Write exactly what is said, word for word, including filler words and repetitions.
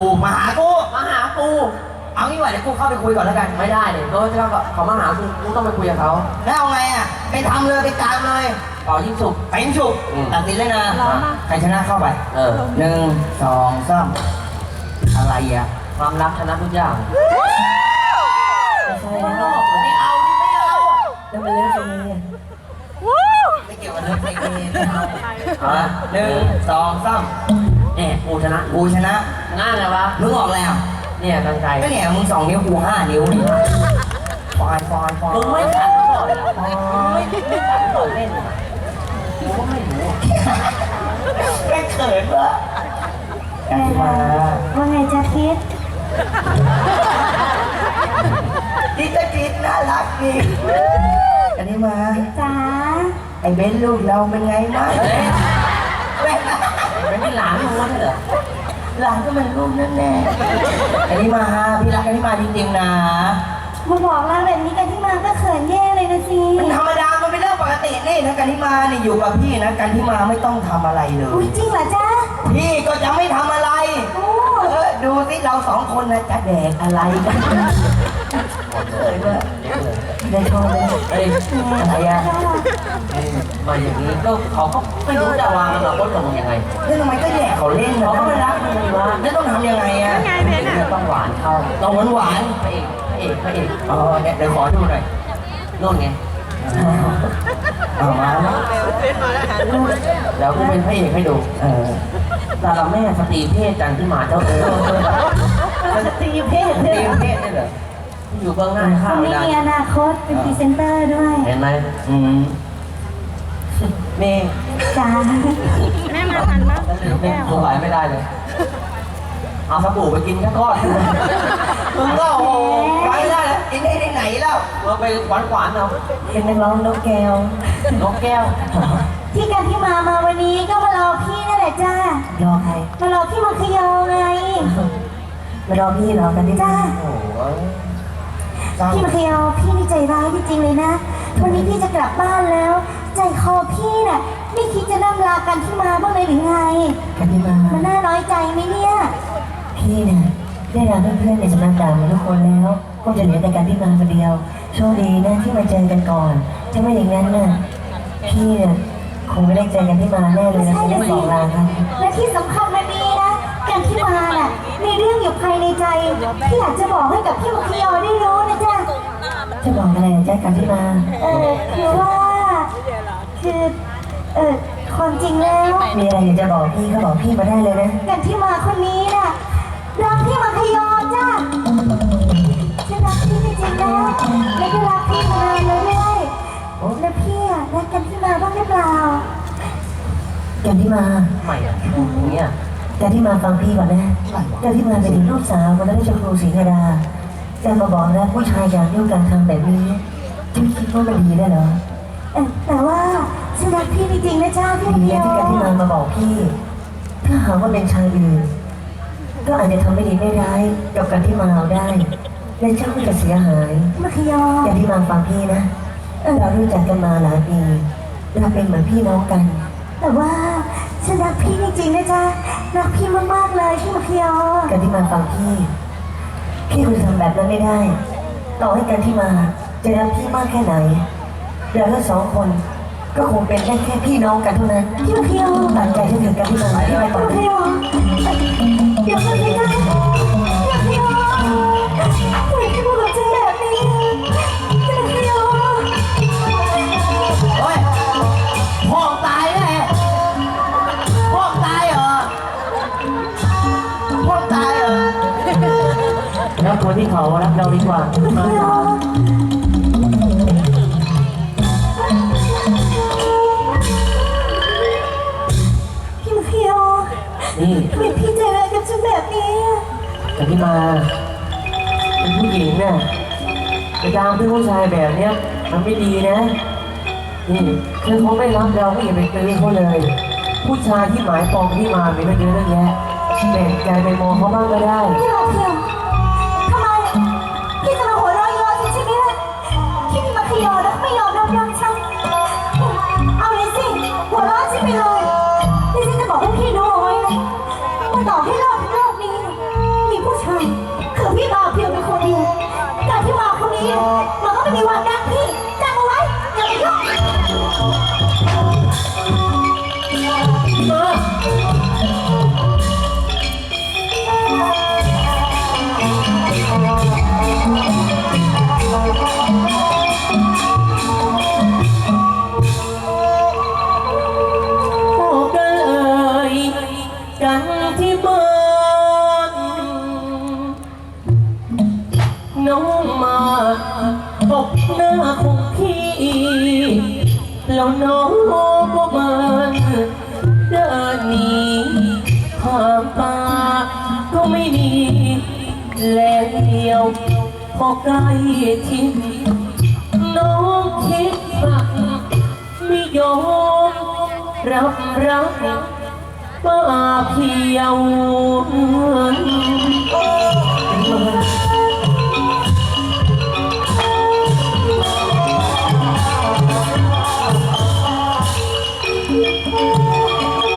กูมาหากูมาหากูเอางี้ว่ะเดี๋ยวกูเข้าไปคุยก่อนแล้วกันไม่ได้เลยเขาจะเขามาหากูกูต้องไปคุยกับเขาแล้วเอาไงอ่ะไปทำเลยไปตามเลยต่อยิ่งสุกไปยิงฉุกตัดสินเลยนะใครชนะเข้าไปเออหนึ่งสองสามอะไรอ่ะความรักชนะทุกอย่างไม่ใช่นะไม่เอาไม่เอาแล้วมันเลิกไปเลยไม่เกี่ยวกับเลิกไปเลยอ่ะหนึ่งสองสามเนี่ยกูชนะกูชนะง่ายเลยวะมึงออกแล้วเนี่ยตั้งใจก็เนี่ยมึงสองนิ้วกูห้านิ้วนี่ฟอยฟอยฟอยมึงไม่ขัดก่อนละไม่ไม่ขัดก่อนเล่นกูก็ไม่รู้ไม่เขินวะกันมาว่าไงจ๊ะคิดดิจะคิดน่ารักดีกันนี่มาจ๋าไอ้เบนลูกเราเป็นไงบ้างเบนเป็นหลานมึงวะเหรอหลานก็เป็นลูกนั่นแน่กันนี่มาพี่รักกันนี่มาจริงๆนะมาบอกเราแบบนี้กันที่มาก็เขินแย่เลยนะสิมันธรรมดามันเป็นเรื่องปกตินี่นะกันที่มานี่อยู่กับพี่นะกันที่มาไม่ต้องทำอะไรเลยจริงเหรอจ๊ะพี่ก็จะไม่ทำอะไรเออดูสิเราสองคนนะจะแดกอะไรกันเลยว่าได้ชอบเลยเอ้ยอะไรอ่ะมาอย่างนี้ก็เขาก็ไม่รู้จะวางอนาคตกับมึงยังไงแล้วทำไมก็แดกเขาเล่นเขาก็ไม่รักมึงเลยวะแล้วต้องทำยังไงอ่ะต้องหวานเข้าต้องหวานหวานพระเอกพระเอกพระเอกอ๋อเดี๋ยวขอดูหน่อยโน่นไงเอามาแล้วกูเป็นพระเอกให้ดูเออแต่เราแม่สตรีเพศจันที่มาเจ้าเออสตรีเพศสตรีเพศนี่เหรออยู่เบื้องหน้าข้าวไม่มีอนาคตเป็นพรีเซนเตอร์ด้วยเห็นไหมอืมเมย์จ้าแม่มาทันปะแม่สงสัยไม่ได้เลยเอาสบู่ไปกินแค่ก้อนมึงก็โอ้ไปได้แล้วกินได้ที่ไหนแล้วเราไปหวานหวานเอาเป็นนักร้องนกแก้วนกแก้วที่กันที่มามาวันนี้ก็มารอพี่นั่นแหละจ้ารอใครมารอพี่มังคยอไงมารอพี่เหรอกันที่จ้าโอ้พี่มังคยอพี่นี่ใจร้ายจริงๆเลยนะวันนี้พี่จะกลับบ้านแล้วใจคอพี่น่ะไม่คิดจะนั่งลากันที่มาบ้างเลยหรือไงกันที่มามันน่าน้อยใจไหมเนี่ยพี่เนี่ยได้ลาเพื่อนๆในสำนักดาวทุกคนแล้วก็จะเหลือแต่การที่มาคนเดียวโชคดีนะที่มาเจอกันก่อนถ้าไม่อย่างนั้นน่ะพี่เนี่ยคงไม่ได้เจอกันที่มาแน่เลยนะที่ได้บอกลาครับและที่สำคัญมันมีนะกันที่มาน่ะมีเรื่องอยู่ภายในใจที่อยากจะบอกให้กับพี่มังคยอได้รู้นะจ๊ะจะบอกอะไรนะจ๊ะกันที่มาเออคือว่าคือเออความจริงแล้วมีอะไรอยากจะบอกพี่ก็บอกพี่มาได้เลยนะกันที่มาคนนี้น่ะรักพี่มังคยอจ้ะฉันรักพี่จริงๆนะและก็รักพี่มานานเลยด้วยแล้วพี่อะรักกันที่มาบ้างหรือเปล่ากันที่มาใหม่อะอย่างเงี้ยกันที่มาฟังพี่ก่อนนะกันที่มาเป็นลูกสาวคนนั้นได้ชมครูศรีธดาจะมาบอกนะผู้ชายอย่างเดียวกันทำแบบนี้ที่คิดว่ามันดีได้เหรอแต่ว่าฉันรักพี่จริงๆนะจ้าพี่ดีนะที่กันที่มามาบอกพี่ถ้าหากว่าเป็นชายอื่นก็อาจจะทำไม่ดีไม่ร้ายกับการที่มาเอาได้และเจ้าก็จะเสียหายมังคยออย่างที่มาฟังพี่นะเรารู้จักกันมาหลายปีเราเป็นเหมือนพี่น้องกันแต่ว่าฉันรักพี่จริงๆนะจ๊ะรักพี่มากๆเลยพี่มังคยอการที่มาฟังพี่พี่คุณทำแบบนั้นไม่ได้ต่อให้กันที่มาจะรักพี่มากแค่ไหนเราทั้งสองคนก็คงเป็นได้แค่พี่น้องกันเท่านั้นพี่มังคยอตัดใจที่ถึงกันที่มาที่มาก่อนพี่มังคยอเดี๋ยวมันไม่ได้พี่มังคยอทำไมพี่พูดกับฉันแบบนี้พี่มังคยอโอ้ยพ่อตายแน่พ่อตายเหรอพ่อตายเหรอแล้วคนที่เขารักเราดีกว่ามาพี่มังคยอนี่ทำไมพี่ใจร้ายกับฉันแบบนี้แต่ที่มาเป็นผู้หญิงเนี่ยไปตามเพื่อนผู้ชายแบบเนี้ยมันไม่ดีนะนี่คือเขาไม่รักเราก็อย่าไปตื้อเขาเลยผู้ชายที่หมายปองที่มามีไม่เยอะแยะแบ่งใจไปมองเขาบ้างก็ได้พี่มังคยอทำไมพี่จะมาหัวเราะย้อนฉันใช่ไหมล่ะพี่มังคยอแล้วไม่ยอมรับรักฉันเอาเลยสิหัวเราะฉันไปเลยนี่ฉันจะบอกให้พี่รู้เอาไว้นะว่าต่อให้โลกโลกนี้มีวันรักพี่จำเอาไว้อย่าไปยุ่งพบกันเอ่ยกันที่บ้านน้องมาตบหน้าของพี่แล้วน้องก็มันเดินหนีห่างตาก็ไม่มีแลเดียวพอใกล้ทิศน้องคิดรักไม่ยอมรับรักป้าเพียว